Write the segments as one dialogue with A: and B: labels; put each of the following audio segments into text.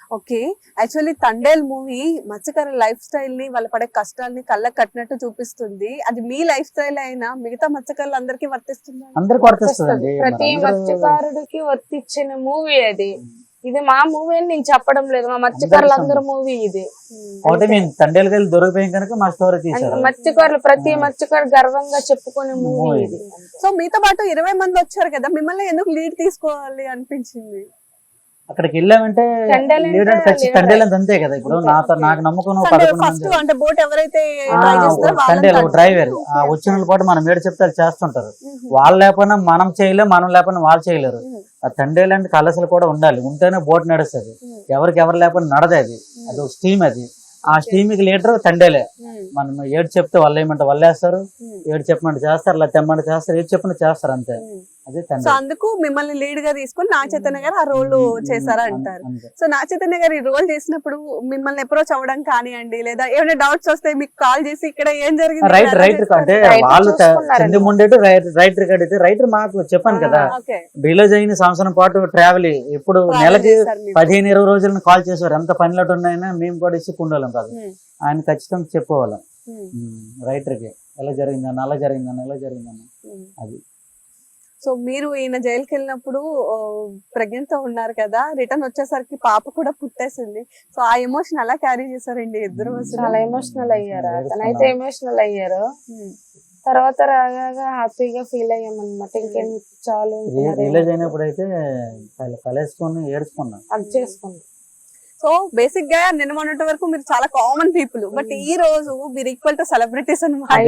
A: Okay. Actually 'Thandel' movie మత్స్యకారుల lifestyle ని, వాళ్ళు పడే కష్టాల్ని కళ్ళకి కట్టినట్టు చూపిస్తుంది. అది మీ లైఫ్ స్టైల్ అయినా మిగతా మత్స్యకారులందరికీ వర్తిస్తుందా?
B: అందరికి వర్తిస్తుంది.
C: ప్రతి మత్స్యకారుడికి వర్తించిన మూవీ అది. ఇది మా మూవీ అని నేను చెప్పడం లేదు, మా మత్స్యకారులందరూ మూవీ ఇది.
B: ఒకటి మేము తండేలు వెళ్ళి దొరికిపోయాం కనుక మా స్టోరీ తీసారు.
C: మత్స్యకారులు ప్రతి మత్స్యకారు గర్వంగా చెప్పుకునే మూవీ ఇది.
A: సో మీతో పాటు 20 మంది వచ్చారు కదా, మిమ్మల్ని ఎందుకు లీడ్ తీసుకోవాలి అనిపించింది?
B: అక్కడికి వెళ్ళామంటే లీడర్ తండేలు అంతే కదా. ఇప్పుడు నాకు నమ్మకం
A: ఫస్ట్ అంటే బోట్ ఎవరైతే
B: తండేలు డ్రైవర్ వచ్చిన పాటు మనం ఏడు చెప్తే చేస్తుంటారు. వాళ్ళు లేకపోయినా మనం చేయలేము, మనం లేకపోయినా వాళ్ళు చేయలేరు. ఆ తండేలు అంటే కలసలు కూడా ఉండాలి, ఉంటేనే బోట్ నడుస్తుంది. ఎవరికి ఎవరు లేకపోయినా నడదు. అది ఒక స్టీమ్. అది ఆ స్టీమ్ కి లీడర్ తండేలే. మనం ఏడు చెప్తే వాళ్ళు ఏమంటే వాళ్ళు వేస్తారు, ఏడు చెప్పమంటే చేస్తారు, అలా తెమ్మంటే చేస్తారు, ఏడు చెప్పిన చేస్తారు అంతే. అదే
A: సో అందుకు మిమ్మల్ని లీడ్ గా తీసుకుని నాగ చైతన్య గారు ఆ రోల్ చేశారా అంటారు. సో నాగ చైతన్య గారు ఈ రోల్ చేసినప్పుడు మిమ్మల్ని అప్రోచ్ అవ్వడం కానివ్వండి, లేదా ఏమైనా డౌట్స్ వస్తే మీకు కాల్ చేసి ఇక్కడ ఏం జరిగింది
B: రైటర్ అంటే వాళ్ళు చెంది ముండేటు రైటర్ కడితే రైటర్ మాకు చెప్పాను కదా, రిలీజ్ అయిన సంవత్సరం పాటు ట్రావెల్ ఇప్పుడు నెలకి 15-20 రోజులను కాల్ చేసేవారు. ఎంత పనిలోటు ఉన్నాయన్నా మేము కూడా ఇసుకుండాలం కాదు. ఆయన ఖచ్చితంగా చెప్పుకోవాలి రైటర్ కి, ఎలా జరిగిందన్న అలా జరిగిందన్న ఎలా జరిగిందన్న అది.
A: సో మీరు ఈయన జైలుకి వెళ్ళినప్పుడు ప్రెగ్నెంట్ తో ఉన్నారు కదా, రిటర్న్ వచ్చేసరికి పాప కూడా పుట్టేసింది. సో ఆ ఎమోషన్ అలా క్యారీ చేశారండి ఇద్దరు?
C: చాలా ఎమోషనల్ అయ్యారు. అతనైతే ఎమోషనల్ అయ్యారు. తర్వాత రాగా హ్యాపీగా ఫీల్ అయ్యాం అనమాట. ఇంకేం చాలు.
B: రిలీజ్ అయినప్పుడు అయితే కలేసుకొని ఏడుచుకున్నాం,
C: అది చేసుకున్నాం.
A: సో బేసిక్ గా నిన్న మొన్నటి వరకు మీరు చాలా కామన్ పీపుల్, బట్ ఈ రోజు మీరు ఈక్వల్ టు సెలబ్రిటీస్ అనమాట.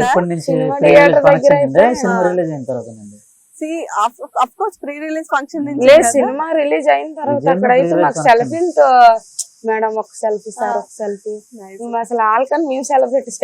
A: Of course pre release function
C: సినిమా రిలీజ్ అయిన తర్వాత అక్కడైతే మాకు సెలబ్రిటీ మేడం ఒక సెల్ఫీ, సార్ ఒక సెల్ఫీ, అసలు ఆల్కన్ మేము సెలబ్రిటీస్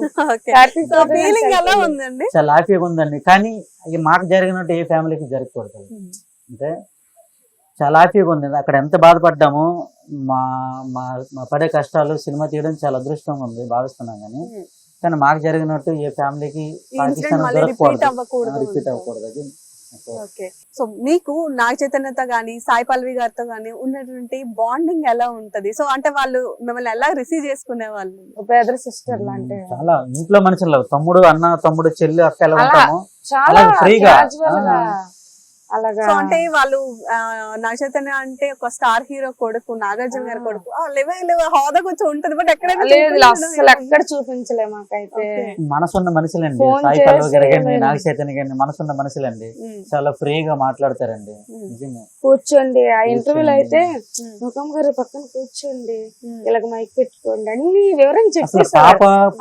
A: ఉందండి.
B: చాలా హ్యాపీగా ఉందండి. కానీ మాకు జరిగినట్టు ఏ ఫ్యామిలీకి జరగకూడదు. అంటే చాలా హ్యాపీగా ఉంది. అక్కడ ఎంత బాధపడ్డాము, మా మా పడే కష్టాలు సినిమా తీయడం చాలా అదృష్టంగా ఉంది భావిస్తున్నాం. కానీ మాకు జరిగినట్టు ఏ ఫ్యామిలీకి
A: రిపీట్ అవ్వకూడదు. ఓకే. సో మీకు నాగ చైతన్యతో గానీ సాయి పల్లవి గారితో గానీ ఉన్నటువంటి బాండింగ్ ఎలా ఉంటది? సో అంటే వాళ్ళు మిమ్మల్ని ఎలా రిసీవ్ చేసుకునే వాళ్ళు?
C: బ్రదర్ సిస్టర్ లాంటి
B: చాలా ఇంట్లో మనుషులు, తమ్ముడు అన్న, తమ్ముడు చెల్లి, అక్క ఎలా ఉంటాము చాలా ఫ్రీగా.
C: అలాగా
A: అంటే వాళ్ళు నాగ చైతన్య అంటే ఒక స్టార్ హీరో కొడుకు, నాగార్జున గారి కొడుకు, హోదా కొంచెం ఉంటది, బట్
C: అసలు ఎక్కడ చూపించలే మాకైతే.
B: మనసున్న మనుషులండి సాయి పల్లవి గారు కానీ నాగ చైతన్య గారిని, మనసున్న మనుషులండి. చాలా ఫ్రీగా మాట్లాడతారండి.
C: కూర్చోండి ఆ ఇంటర్వ్యూలో అయితే ముఖం గారి పక్కన కూర్చోండి, ఇలాగ మైక్ పెట్టుకోండి, అన్ని వివరంగా చెప్పేసారు.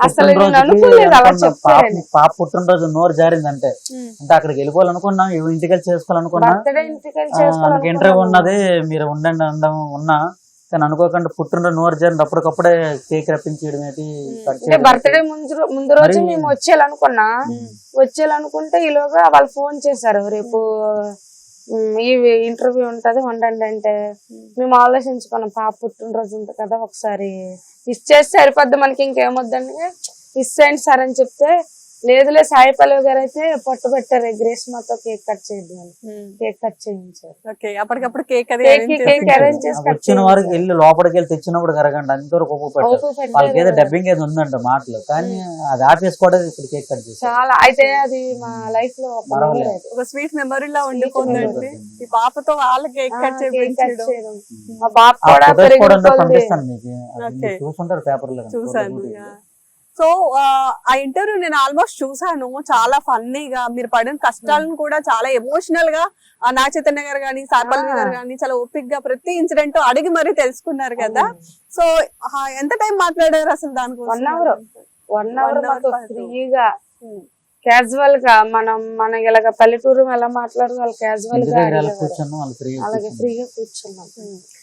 B: పాప పుట్టినరోజు నోరు జారిందంటే అంటే అక్కడికి వెళ్ళిపోవాలనుకున్నాం, ఇంటికి వెళ్ళి చేసుకోవాలనుకున్నా, ఇంటర్వ్యూ ఉన్నది మీరు ఉండండి అందం ఉన్నా, కానీ అనుకోకుండా పుట్టినరోజు నోరు జారింది, అప్పటికప్పుడే కేక్ రప్పించడం ఏంటి.
C: బర్త్డే ముందు రోజు మేము వచ్చేయాలనుకుంటే ఈలోగా వాళ్ళు ఫోన్ చేశారు, రేపు ఈ ఇంటర్వ్యూ ఉంటది ఉండండి అంటే. మేము ఆలోచించుకున్నాం, పాప పుట్టినరోజు ఉంటుంది కదా, ఒకసారి విష్ చేస్తే సరిపోద్ది, మనకి ఇంకేమొద్దండి, విష్ చేయండి సార్ అని చెప్తే, లేదులే సాయి పల్లవి గారు అయితే పట్టు పెట్టారు, గ్రేస్మాతో కేక్ కట్ చేద్దాం, కేక్ కట్ చేయించారు.
A: అప్పటికప్పుడు కేక్
B: వచ్చిన వారికి వెళ్ళి లోపలికి వెళ్ళి తెచ్చినప్పుడు కరగండి అంతవరకు వాళ్ళకి ఏదో డబ్బింగ్ ఏదో ఉందంట మాటలు, కానీ అది ఆపేసుకోవడం ఇప్పుడు కేక్ కట్ చేసి
C: చాలా. అయితే అది మా లైఫ్ లో
A: ఒక స్వీట్ మెమరీ లా ఉండిపోతుంది. ఈ పాపతో వాళ్ళ కేక్ కట్ చేయించడం,
C: మా పాప కూడా
B: పంపిస్తాను మీకు, చూసుంటారు పేపర్ లో.
A: చూసాను. సో ఆ ఇంటర్వ్యూ నేను ఆల్మోస్ట్ చూసాను. చాలా ఫన్నీగా మీరు పడిన కష్టాలను కూడా చాలా ఎమోషనల్ గా నాగ చైతన్య గారు గానీ సాయి పల్లవి గారు గానీ చాలా ఓపిక్ గా ప్రతి ఇన్సిడెంట్ అడిగి మరీ తెలుసుకున్నారు కదా. సో ఎంత టైం మాట్లాడారు అసలు దానికోసం?
C: 1 hour ఫ్రీగా క్యాజువల్ గా మనం ఇలాగ పల్లెటూరు ఎలా మాట్లాడదు వాళ్ళు క్యాజువల్ గా అలాగే ఫ్రీగా కూర్చున్నాం.